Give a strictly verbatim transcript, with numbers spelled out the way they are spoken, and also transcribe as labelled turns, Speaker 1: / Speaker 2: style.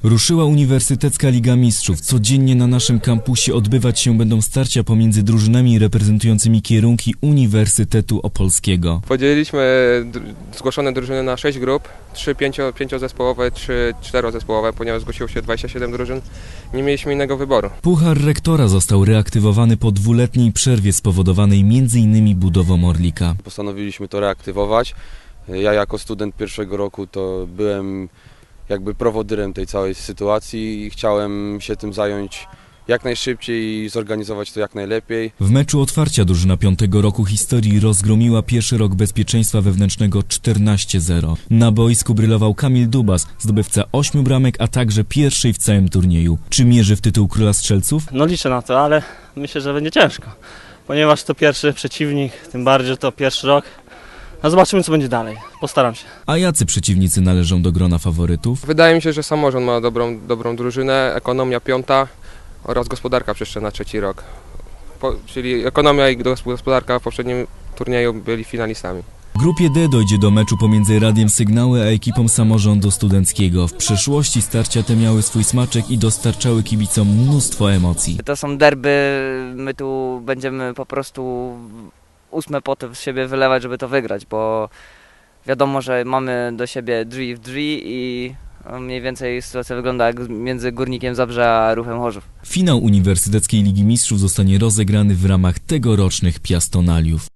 Speaker 1: Ruszyła Uniwersytecka Liga Mistrzów. Codziennie na naszym kampusie odbywać się będą starcia pomiędzy drużynami reprezentującymi kierunki Uniwersytetu Opolskiego.
Speaker 2: Podzieliliśmy zgłoszone drużyny na sześć grup, trzy pięcio, pięciozespołowe, trzy czterozespołowe, ponieważ zgłosiło się dwadzieścia siedem drużyn. Nie mieliśmy innego wyboru.
Speaker 1: Puchar Rektora został reaktywowany po dwuletniej przerwie spowodowanej między innymi budową Orlika.
Speaker 3: Postanowiliśmy to reaktywować. Ja jako student pierwszego roku to byłem jakby prowodyrem tej całej sytuacji i chciałem się tym zająć jak najszybciej i zorganizować to jak najlepiej.
Speaker 1: W meczu otwarcia drużyna piątego roku historii rozgromiła pierwszy rok bezpieczeństwa wewnętrznego czternaście zero. Na boisku brylował Kamil Dubas, zdobywca ośmiu bramek, a także pierwszej w całym turnieju. Czy mierzy w tytuł Króla Strzelców?
Speaker 4: No liczę na to, ale myślę, że będzie ciężko, ponieważ to pierwszy przeciwnik, tym bardziej, że to pierwszy rok. No zobaczymy, co będzie dalej. Postaram się.
Speaker 1: A jacy przeciwnicy należą do grona faworytów?
Speaker 2: Wydaje mi się, że Samorząd ma dobrą, dobrą drużynę, Ekonomia piąta oraz Gospodarka jeszcze na trzeci rok. Po, czyli Ekonomia i Gospodarka w poprzednim turnieju byli finalistami.
Speaker 1: W grupie D dojdzie do meczu pomiędzy Radiem Sygnały a ekipą Samorządu Studenckiego. W przeszłości starcia te miały swój smaczek i dostarczały kibicom mnóstwo emocji.
Speaker 5: To są derby, my tu będziemy po prostu ósme poty z siebie wylewać, żeby to wygrać, bo wiadomo, że mamy do siebie drzwi w drzwi i mniej więcej sytuacja wygląda jak między Górnikiem Zabrze a Ruchem Chorzów.
Speaker 1: Finał Uniwersyteckiej Ligi Mistrzów zostanie rozegrany w ramach tegorocznych Piastonaliów.